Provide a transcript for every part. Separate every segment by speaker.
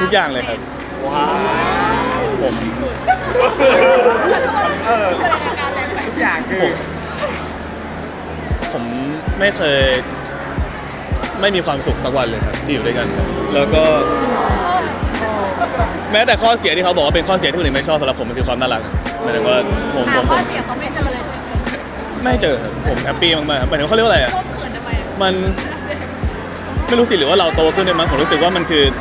Speaker 1: กอย่างเลยครับ
Speaker 2: ว้าว
Speaker 1: ผม
Speaker 2: ทุกอย่างคือ
Speaker 1: ผมไม่เคยไม่มีความสุขสักวันเลยครับที่อยู่ด้วยกันครับแล้วก็แม้แต่ข้อเสียที่เขาบอกว่าเป็นข้อเสียที่คนอื่นไม่ชอบสำหรับผมมันคือความน่ารักหมายถึงว่าผม
Speaker 3: ข้อเสียเขาไม่เจอเลยใช่ไหม
Speaker 1: ไม่เจอครับผมแฮปปี้มากๆหมายถึงเขาเรียกว่าอะไรอ่ะ
Speaker 3: เขินทำไม
Speaker 1: มันไม่รู้สิหรือว่าเราโตขึ้นด้วยมั้งผมรู้สึกว่ามันคือ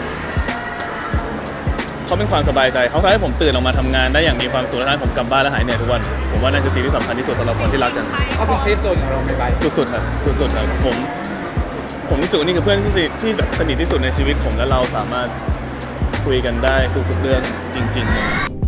Speaker 1: เขาเป็นความสบายใจเขาทำให้ผมตื่นออกมาทำงานได้อย่างมีความสุขและทำให้ผมกลับบ้านและหายเหนื่อยทุกวันผมว่านั่นคือสิ่งที่สำคัญที่สุดสำหรับคนที่รักกัน
Speaker 2: เขาเป็นเซฟโซนของเราไป
Speaker 1: สุดๆครับสุดๆครับผมรู้สึกว่านี่คือเพื่อนที่แบบสนิทที่สุดในชีวิตผมและเราสามารถคุยกันได้ทุกๆเรื่องจริงๆเลย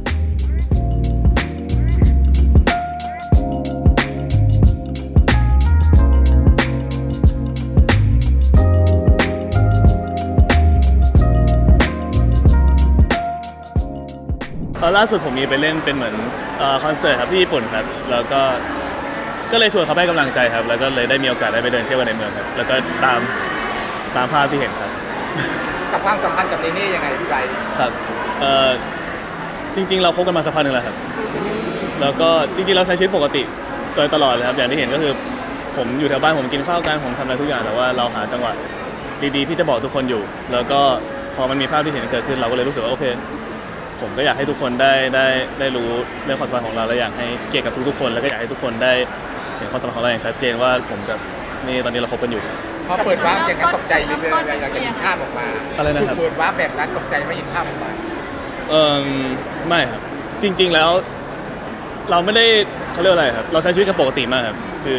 Speaker 1: ล่าสุดผมมีไปเล่นเป็นเหมือนคอนเสิร์ตครับที่ญี่ปุ่นครับแล้วก็เลยชวนเขาให้กำลังใจครับแล้วก็เลยได้มีโอกาสได้ไปเดินเที่ยวกันในเมืองครับแล้วก็ตามภาพที่เห็นครับ
Speaker 2: กับความสัมพันธ์กับเนเน่ยังไงพี่ไบร์ท
Speaker 1: ครับจริงๆเราคบกันมาสักพักหนึ่งแล้วครับแล้วก็จริงๆเราใช้ชีวิตปกติโดยตลอดเลยครับอย่างที่เห็นก็คือผมอยู่แถวบ้านผมกินข้าวกันผมทำอะไรทุกอย่างแต่ว่าเราหาจังหวะดีๆที่จะบอกทุกคนอยู่แล้วก็พอมันมีภาพที่เห็นเกิดขึ้นเราก็เลยรู้สึกว่าโอเคผมก็อยากให้ทุกคนได้รู้เรื่องความสัมพันธ์ของเราและอยากให้เกียรติกับทุกๆคนแล้วก็อยากให้ทุกคนได้เห็นความสัมพันธ์ของเราอย่างชัดเจนว่าผมกับนี่ตอนนี้เราคบกันอยู่
Speaker 2: พอเปิดวาร์ปอย่างนั้นตกใจเลยหลังจากเห็นภาพออกมา
Speaker 1: อะไรนะครับ
Speaker 2: เปิดวาร์ปแบบนั้นตกใจไม่เห็นภาพออกมา
Speaker 1: ไม่ครับจริงๆแล้วเราไม่ได้เขาเรียกอะไรครับเราใช้ชีวิตกันปกติมากครับคือ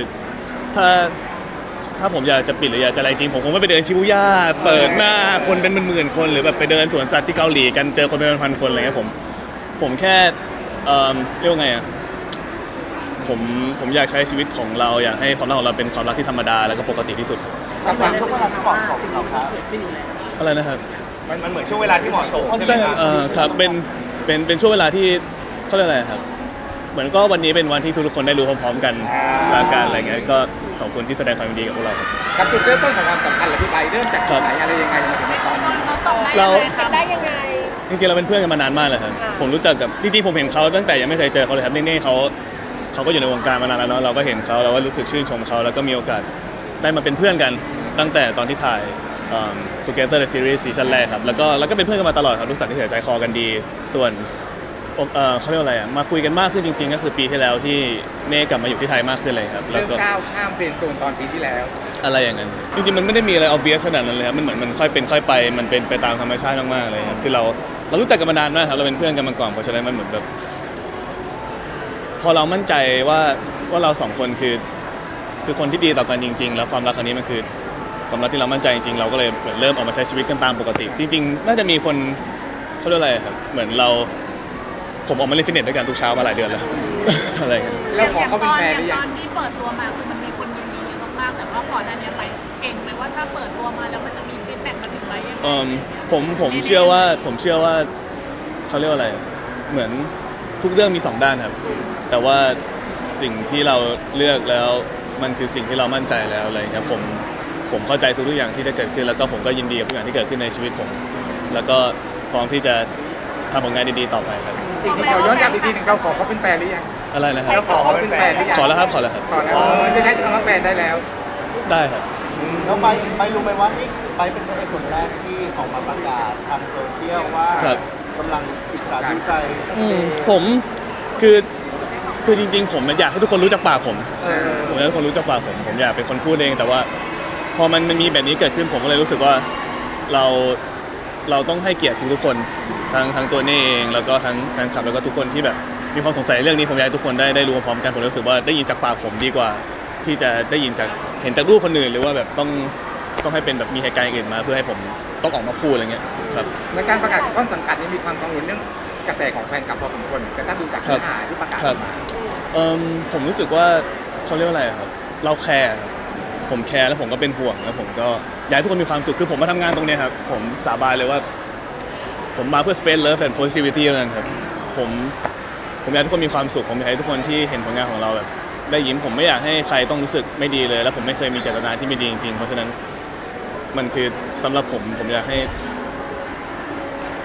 Speaker 1: ถ้าผมอยากจะปิดหรืออยากจะอะไรจริงผมคงไม่ไปเดินชิบูย่าเปิดหน้าคนเป็นหมื่นๆคนหรือแบบไปเดินสวนสัตว์ที่เกาหลีกันเจอคนเป็นพันๆคนอะไรเงี้ยผมแค่เรียกว่าไงอ่ะผมอยากใช้ชีวิตของเราอยากให้ความรักของเราเป็นความรักที่ธรรมดาแล้วก็ปกติที่สุด
Speaker 2: กับความช่วงเวลาที่เหมาะสมครับ
Speaker 1: อะไรนะครับ
Speaker 2: มันเหมือนช่วงเวลาที่เหมาะสม
Speaker 1: ใช่ครับเป็นช่วงเวลาที่เขาเรียกอะไรครับเหมือนก็วันนี้เป็นวันที่ทุกคนได้รู้พร้อมๆกันและการอะไรเงี้ยก็ขอบคุณที่แสดงความยินดีกับพวกเราครับ
Speaker 2: กับจุดเริ่มต้นของความสัมพันธ์เหรอพี่ไบร์ทเริ่มจากไหนอะไรยังไงมาถึงตอนนี้
Speaker 3: เราทำได้ยังไง
Speaker 1: จริงๆเราเป็นเพื่อนกันมานานมากเลยครับผมรู้จักกับจริงๆผมเห็นเขาตั้งแต่ยังไม่เคยเจอเขาเลยครับนี่เขาก็อยู่ในวงการมานานแล้วเนาะเราก็เห็นเขาเราก็รู้สึกชื่นชมเขาแล้วก็มีโอกาสได้มาเป็นเพื่อนกันตั้งแต่ตอนที่ถ่ายTogether the Series ซีซั่นแรกครับแล้วก็เป็นเพื่อนกันมาตลอดครับรู้สึกที่ใจคอกันดีส่วนเขาเรียกว่าอะไรอ่ะมาคุยกันมากขึ้นจริงๆก็คือปีที่แล้วที่เน่กลับมาอยู่ที่ไทยมากขึ้นเลยครับ
Speaker 2: แล้วก็ก้าวข้ามเป็นโซนตอนปีที่แล้ว
Speaker 1: อะไรอย่างนั้นจริงๆมันไม่ได้มีอะไร obvious ขนาดนั้นเลยครับมันเหมือนมันค่อยเป็นค่อยไปมันเป็นไปตามธรรมชาติมากๆเลยครับคือเรารู้จักกันมานานมากครับเราเป็นเพื่อนกันมาก่อนเพราะฉะนั้นมันเหมือนแบบพอเรามั่นใจว่าเราสองคนคือคนที่ดีต่อกันจริงๆแล้วความรักครั้งนี้มันคือความรักที่เรามั่นใจจริงๆเราก็เลยเริ่มออกมาใช้ชีวิตกันตามปกติจริงๆน่าจะมีคนเขาเรียกอะไรครับเหมือนผมออกมาเล่นฟิตเนสด้วยกันทุกเช้ามาหลายเดือนแล้วอะไรกัน
Speaker 2: แล้วขอเขาเป็นแฟนหรือยัง
Speaker 3: ตอนที่เปิดตัวมาคือมันมีคนยินดีมากๆแต่ว่าก่อนหน้านี้ไปเก่งไหมว่าถ้าเปิดตัวมาแล้วมันจะมีฟีดแบ็กมาถึงไหมยังไง
Speaker 1: ผมเชื่อว่าเขาเรียกว่าอะไรเหมือนทุกเรื่องมี2ด้านครับแต่ว่าสิ่งที่เราเลือกแล้วมันคือสิ่งที่เรามั่นใจแล้วอะไรครับผมเข้าใจทุกอย่างที่จะเกิดขึ้นแล้วก็ผมก็ยินดีกับทุกอย่างที่เกิดขึ้นในชีวิตผมแล้วก็พร้อมที่จะทำผลงานดีๆต่อไปครับ
Speaker 2: อีกทีเราย้อนกลับอีกทีหนึ่งเราขอเขาเป็นแฟนหรือยัง
Speaker 1: อะไรนะครับ
Speaker 2: เราขอเขาเป็นแฟนหรือยัง
Speaker 1: ขอแล้วครับ
Speaker 2: ขอแล้วจะใช้คำว่าแฟนได้แล้ว
Speaker 1: ได้ครับ
Speaker 4: แล้วไปรู้ไหมว่านี่ไปเป็นคนแรกที่ออกมาประกาศทางโซเชียลว่ากำลังศึกษาดูใจ
Speaker 1: ผมคือจริงๆผมอยากให้ทุกคนรู้จักปากผมอยากให้ทุกคนรู้จักปากผมอยากเป็นคนพูดเองแต่ว่าพอมันมีแบบนี้เกิดขึ้นผมก็เลยรู้สึกว่าเราต้องให้เกียรติทุกคนทั้งตัวนี่เองแล้วก็ทั้งแฟนคลับแล้วก็ทุกคนที่แบบมีความสงสัยเรื่องนี้ผมอยากให้ทุกคนได้รู้พร้อมกันผมรู้สึกว่าได้ยินจากปากผมดีกว่าที่จะได้ยินจากเห็นจากรูปคนอื่นหรือว่าแบบต้องให้เป็นแบบมีเหตุการณ์อื่นมาเพื่อให้ผมต้องออกมาพูดอะไรเงี้ยครับ
Speaker 2: ในการประกาศของต้นสังกัดนี้มีความกังวลเรื่องกระแสของแฟนคลับพอสมควรแต่ถ้าดูจากเนื้อหาที่ประกาศมา
Speaker 1: ผมรู้สึกว่าเขาเรียกว่าอะไรครับเราแคร์ผมแคร์แล้วผมก็เป็นห่วงแล้วผมก็อยากให้ทุกคนมีความสุขคือผมมาทำงานตรงนี้ครับผมสาบานเลยว่าผมมาเพื่อ space love and positivity นั่นครับผมอยากให้ทุกคนมีความสุขผมอยากให้ทุกคนที่เห็นผลงานของเราแบบได้ยิ้มผมไม่อยากให้ใครต้องรู้สึกไม่ดีเลยแล้วผมไม่เคยมีเจตนาที่ไม่ดีจริงๆเพราะฉะนั้นมันคือสำหรับผมอยากให้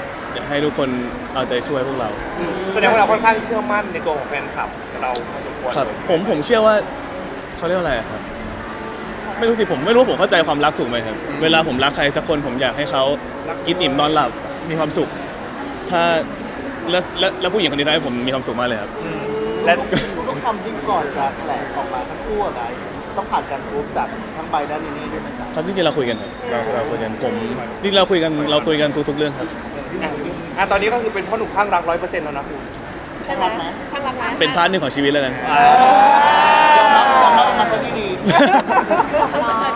Speaker 1: ให้ทุกคนเอาใจช่วยพวกเรา
Speaker 5: แสดงว่าเราค่อนข้างเชื่อมั่นในตัวของแฟนคลับเราพอสมควร
Speaker 1: ครับ
Speaker 5: เลย
Speaker 1: ผมเชื่อว่าเขาเรียกว่าอะไรอะครับไม่รู้สิผมไม่รู้ว่าผมเข้าใจความรักถูกไหมครับเวลาผมรักใครสักคนผมอยากให้เขากินอิ่มนอนหลับมีความสุข ถ้าแล้วผู้หญิงคนนี้ทำให้ผมมีความสุขมากเลยครับ
Speaker 5: และ
Speaker 4: ทุกคำที่ก่อนจะแถลงออกมาทั้งคู่อะไรต้องผ่านการพูดจากทั้งใบและนีนี่ด้วยไหมครับ
Speaker 1: ครับจริงๆเราคุยกันครับเราคุยกันผมจริงๆเราคุยกันทุกๆเรื่องครับ
Speaker 5: ตอนนี้ก็คือเป็นพ่อหนุ่มข้างรัก100%แล้วนะคุณ
Speaker 4: ใช่ไหม
Speaker 3: ข้างหลังร้าน
Speaker 1: เป็นพาร์ทหนึ่งของชีวิตแล้วกัน
Speaker 4: ยอมรับออกมาซะดี